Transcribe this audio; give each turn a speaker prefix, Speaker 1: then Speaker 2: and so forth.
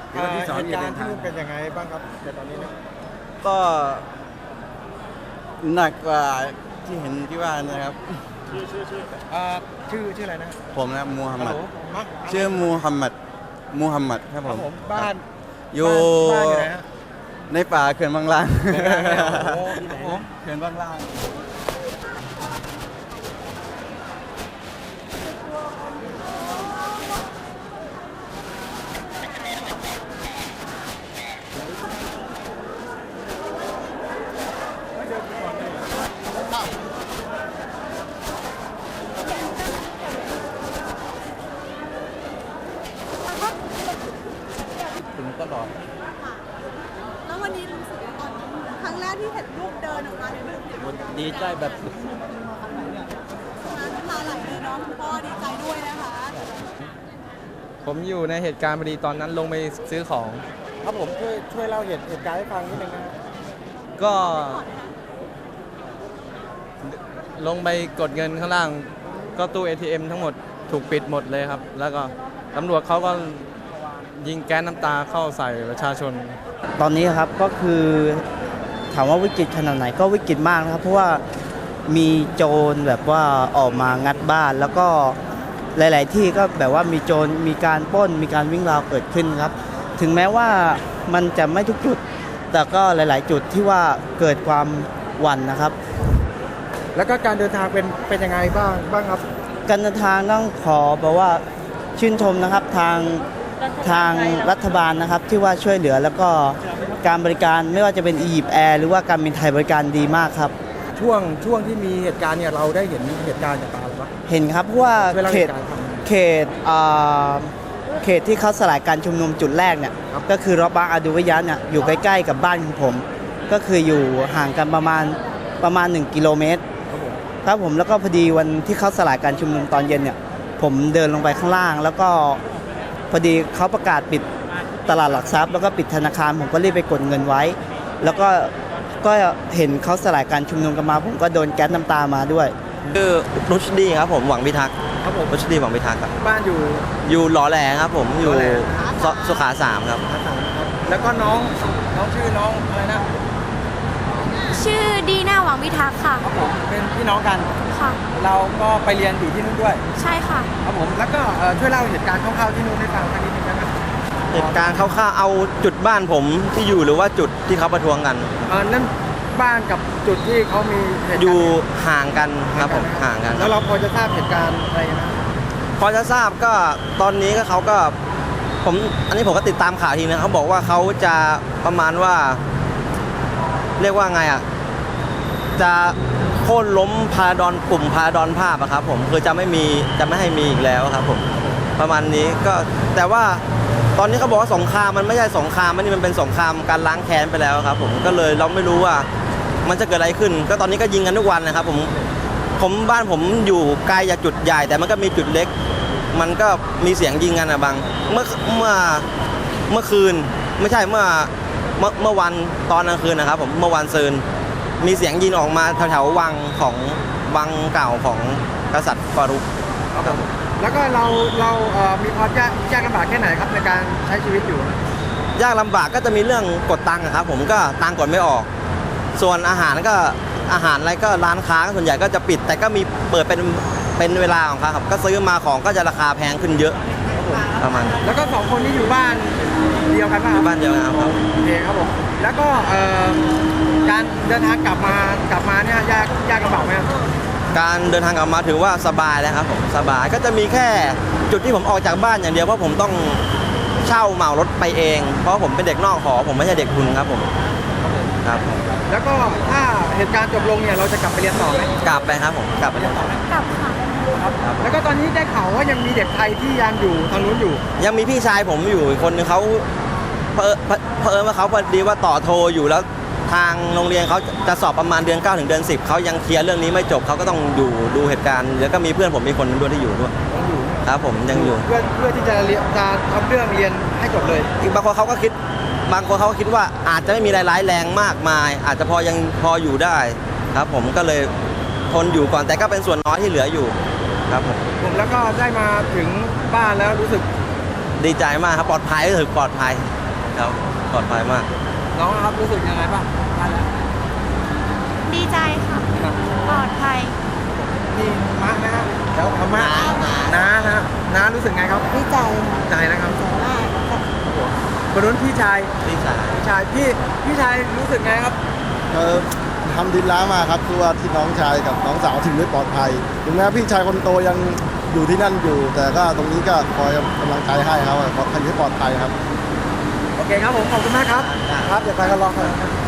Speaker 1: เหตุการณ์ที่นู่นเป็นยังไงบ้างครับแต่ตอนนี้เนี่ย
Speaker 2: ก็หนักกว่าที่เห็นที่ว่านะครับ
Speaker 1: ชื่ออะไรนะ
Speaker 2: ผมนะมูฮัมหมัด
Speaker 1: มัก
Speaker 2: ชื่อมูฮัมหมัดครับผม
Speaker 1: บ้าน
Speaker 2: อยู่
Speaker 1: ไหนฮะ
Speaker 2: ในป่าเขื่อนบางลาง
Speaker 1: โอ้ที่ไหน
Speaker 2: เขื่อนบางลางถึงตลอด
Speaker 3: แล้ววันนี้รู้สึกยังไงครั้งแรกที่เห็นลูกเดินออกมาในรูปเนี่ย
Speaker 2: ดีใจแบบ
Speaker 3: น้ำตาไหลเลยเนาะคุณพ่อดีใจด้วยนะคะ
Speaker 4: ผมอยู่ในเหตุการณ์พอดีตอนนั้นลงไปซื้อของ
Speaker 1: ครับผมช่วยเล่าเหตุการณ์ให้ฟังนิดนึงนะ
Speaker 4: ก็ลงไปกดเงินข้างล่าง ก็ตู้ ATM ทั้งหมดถูกปิดหมดเลยครับ แล้วก็ตำรวจเขาก็ยิงแก๊สน้ำตาเข้าใส่ประชาชน
Speaker 5: ตอนนี้ครับก็คือถามว่าวิกฤตขนาดไหนก็วิกฤตมากนะครับเพราะว่ามีโจรแบบว่าออกมางัดบ้านแล้วก็หลาย ๆ ที่ก็แบบว่ามีโจรมีการปล้นมีการวิ่งราวเกิดขึ้นครับถึงแม้ว่ามันจะไม่ทุกจุดแต่ก็หลาย ๆ จุดที่ว่าเกิดความหวั่นนะครับ
Speaker 1: แล้วก็การเดินทางเป็นยังไงบ้างครับ
Speaker 5: การเดินทางต้องขอบอกว่าชื่นชมนะครับทางรัฐบาลนะครับที่ว่าช่วยเหลือแล้วก็การบริการไม่ว่าจะเป็นอียิปต์แอร์หรือว่าการบินไทยบริการดีมากครับ
Speaker 1: ช่วงที่มีเหตุการณ์เนี่ยเราได้เห็นเหตุการณ์จากตาหรือเปล่า
Speaker 5: เห็นครับเพราะว่าเขตที่เขาสลายการชุมนุมจุดแรกเนี่ยก็คือรอบบางอาดูวิยะเนี่ยอยู่ใกล้ๆกับบ้านของผมก็คืออยู่ห่างกันประมาณ1 กิโลเมตรครับผมแล้วก็พอดีวันที่เขาสลายการชุมนุมตอนเย็นเนี่ยผมเดินลงไปข้างล่างแล้วก็พอดีเขาประกาศปิดตลาดหลักทรัพย์แล้วก็ปิดธนาคารผมก็รีบไปกดเงินไว้แล้วก็เห็นเขาสลายการชุมนุมกันมาผมก็โดนแก๊สน้ำตามาด้วย
Speaker 6: คือรุชดีครับผมหวังพิทักษ์
Speaker 1: ครับผม
Speaker 6: รุชดีหวังพิทักษ์ครับ
Speaker 1: บ้าน
Speaker 6: อยู่หล่อแหลครับผมอยู่สุขา3ครับ
Speaker 1: แล้วก็น้องชื่อน้องอะไรนะ
Speaker 3: ชื่อดีน่าหวังวิทักษ์ค่ะ
Speaker 1: ครับผมเป็นพี่น้องกัน
Speaker 3: ค่ะ
Speaker 1: เราก็ไปเรียนอยู่ที่นู่นด้วย
Speaker 3: ใช่ค่ะ
Speaker 1: ครับผมแล้วก็ช่วยเล่าเหตุการณ์คร่าวๆที่นู่นให้ฟังสักนิดนึงได้ไหม
Speaker 6: เหตุการณ์คร่าวๆเอาจุดบ้านผมที่อยู่หรือว่าจุดที่เขาประท้วงกัน
Speaker 1: นั่นบ้านกับจุดที่เขามีเหตุการณ์
Speaker 6: อยู่ห่างกันครับผมห่างกัน
Speaker 1: แล้วเราพอจะทราบเหตุการณ์อะไรนะ
Speaker 6: พอจะทราบก็ตอนนี้ก็เขาก็อันนี้ผมก็ติดตามข่าวทีนะเขาบอกว่าเขาจะประมาณว่าเรียกว่าไงอ่ะจะโค่นล้มพาราดอนกลุ่มพาราดอนภาพอะครับผมคือจะไม่ให้มีอีกแล้วครับผมประมาณนี้ก็แต่ว่าตอนนี้เขาบอกว่าสงครามมันไม่ใช่สงครามมันเป็นสงครามการล้างแค้นไปแล้วครับผมก็เลยเราไม่รู้ว่ามันจะเกิดอะไรขึ้นก็ตอนนี้ก็ยิงกันทุกวันนะครับผมบ้านผมอยู่ไกลจากจุดใหญ่แต่มันก็มีจุดเล็กมันก็มีเสียงยิงกันนะบางเมื่อคืนไม่ใช่เมื่อวันตอนกลางคืนนะครับผมเมื่อวันซืนมีเสียงยิงออกมาแถวๆวังเก่าของกษัตริย์ฟารุก
Speaker 1: แล้วก็เรามีความยากลำบากแค่ไหนครับในการใช้ชีวิตอยู่
Speaker 6: ยากลำบากก็จะมีเรื่องกดตังค์ครับผมก็ตังค์กดไม่ออกส่วนอาหารอะไรก็ร้านค้าส่วนใหญ่ก็จะปิดแต่ก็มีเปิดเป็นเวลาของเขาครับก็ซื้อมาของก็จะราคาแพงขึ้นเยอะประมาณ
Speaker 1: แล้วก็2 คนนี้อยู่บ้านเดียวกันป่ะ
Speaker 6: บ้านเดียวกันครับ
Speaker 1: โอเคครับผมแล้วก็การเดินทางกลับมาเนี่ยยากลำบากไหม
Speaker 6: การเดินทางกลับมาถือว่าสบายแล้วครับผมสบายก็จะมีแค่จุดที่ผมออกจากบ้านอย่างเดียวเพราะผมต้องเช่าเหมารถไปเองเพราะผมเป็นเด็กนอกหอผมไม่ใช่เด็กทุนครับผมครับ
Speaker 1: แล้วก็ถ้าเหตุการณ์จบลงเนี่ยเราจะกลับไปเรียนต่อไหม
Speaker 6: กลับไปครับผมกลับไปเรียนต่อ
Speaker 3: กลับค่ะ
Speaker 1: ครับแล้วก็ตอนนี้ได้ข่าวว่ายังมีเด็กไทยที่ยังอยู่ทางนู้นอยู่
Speaker 6: ยังมีพี่ชายผมอยู่คนนึงเขาเผอิญว่าเขาพอดีว่าต่อโทอยู่แล้วทางโรงเรียนเขาจะสอบประมาณเดือน9 ถึงเดือน 10เขายังเคลียร์เรื่องนี้ไม่จบเขาก็ต้องอยู่ดูเหตุการณ์แล้วก็มีเพื่อนผมมีคนนึงด้วยที่อยู่ด้วยครับผมยังอยู่
Speaker 1: เพื่อที่จะทำเรื่องเรียนให้จบเลย
Speaker 6: อีกบางคนเขาก็คิดว่าอาจจะไม่มีรายร้ายแรงมากมายอาจจะยังพออยู่ได้ครับผมก็เลยทนอยู่ก่อนแต่ก็เป็นส่วนน้อยที่เหลืออยู่ครับผม
Speaker 1: แล้วก็ได้มาถึงบ้านแล้วรู้สึก
Speaker 6: ดีใจมากครับปลอดภัยก็ถือปลอดภัยครับปลอดภัยมาก
Speaker 1: น้องครับรู้สึกยังไงบ้างได้แล้ว
Speaker 7: ดีใจค่ะ
Speaker 1: ครับ
Speaker 7: ปลอดภัย
Speaker 1: นี่มานะฮะแล้วเอามาน้านะฮะน้ารู้สึกไงครับ
Speaker 3: ดีใจ
Speaker 1: ใจนะครับ
Speaker 3: มาก
Speaker 1: คนนู้นพี่ชาย
Speaker 6: ดีใจ
Speaker 1: พี่ชายรู้สึกไงครับ
Speaker 8: ทำดินล้ามาครับคือว่าที่น้องชายกับน้องสาวถึงได้ปลอดภัยถึงแม้พี่ชายคนโตยังอยู่ที่นั่นอยู่ แต่ก็ตรงนี้ก็คอยกำลังใจให้เขาขอให้ปลอดภัยครับ
Speaker 1: โอเคครับผมขอบคุณมากครับครับเดี๋ยวไปกันรอกัน